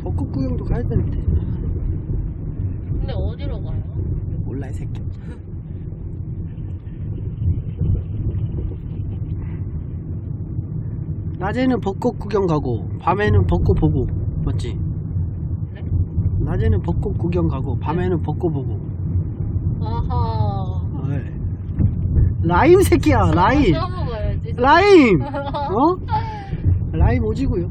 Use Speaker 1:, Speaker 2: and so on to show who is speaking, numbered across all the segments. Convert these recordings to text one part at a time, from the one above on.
Speaker 1: 벚꽃 구경도 가야 되는데.
Speaker 2: 근데 어디로 가요?
Speaker 1: 몰라 이 새끼. 낮에는 벚꽃 구경 가고 밤에는 벚꽃 보고. 맞지?
Speaker 2: 네?
Speaker 1: 낮에는 벚꽃 구경 가고 밤에는 벚꽃 보고.
Speaker 2: 아하.
Speaker 1: 어이. 라임 새끼야 라임.
Speaker 2: 먹어야지.
Speaker 1: 라임. 어? 라임 오지고요.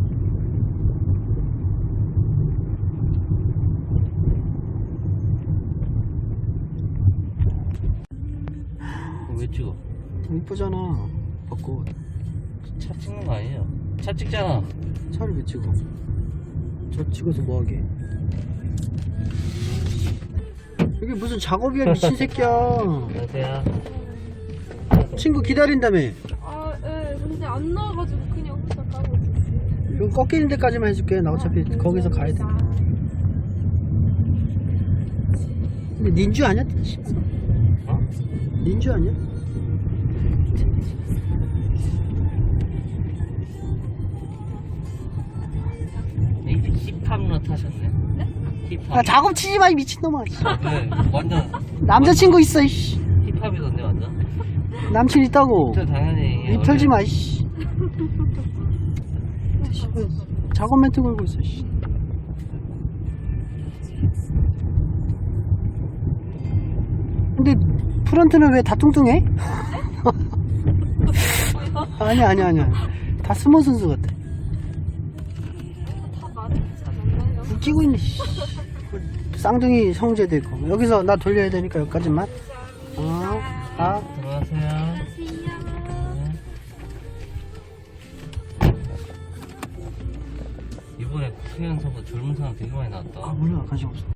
Speaker 3: 왜 찍어?
Speaker 1: 이쁘잖아 벚꽃.
Speaker 3: 차 찍는 거 아니에요? 차 찍잖아.
Speaker 1: 차를 왜 찍어? 저 찍어서 뭐하게? 이게 무슨 작업이야 미친 새끼야.
Speaker 3: 안녕하세요.
Speaker 1: 친구 기다린다며.
Speaker 4: 아, 예, 근데 안 나와가지고 그냥 혼자 까고 있었어요.
Speaker 1: 이거 꺾이는 데까지만 해줄게. 나 어차피 거기서 가야 돼. 근데 닌주 아니야?
Speaker 3: 어?
Speaker 1: 닌주 아니야?
Speaker 3: 힙합로 타셨네? 네? 힙합.
Speaker 1: 아 작업 치지 마 이 미친놈아.
Speaker 3: 네, 완전
Speaker 1: 남자친구 있어 이씨.
Speaker 3: 힙합이던데 완전.
Speaker 1: 남친 있다고.
Speaker 3: 저 당연히.
Speaker 1: 입 털지 마 이씨. 작업 멘트 걸고 있어 씨. 근데 프런트는 왜 다 뚱뚱해? 아니야 다 스모 선수 같아.
Speaker 4: 다 말했지 않았나요?
Speaker 1: 웃기고 있네 씨. 쌍둥이 형제도 있고. 여기서 나 돌려야 되니까 여기까지만. 아
Speaker 3: 들어가세요. 이번에 국회의원 선거 젊은 사람 되게 많이 나왔다.
Speaker 1: 몰라 관심 없어.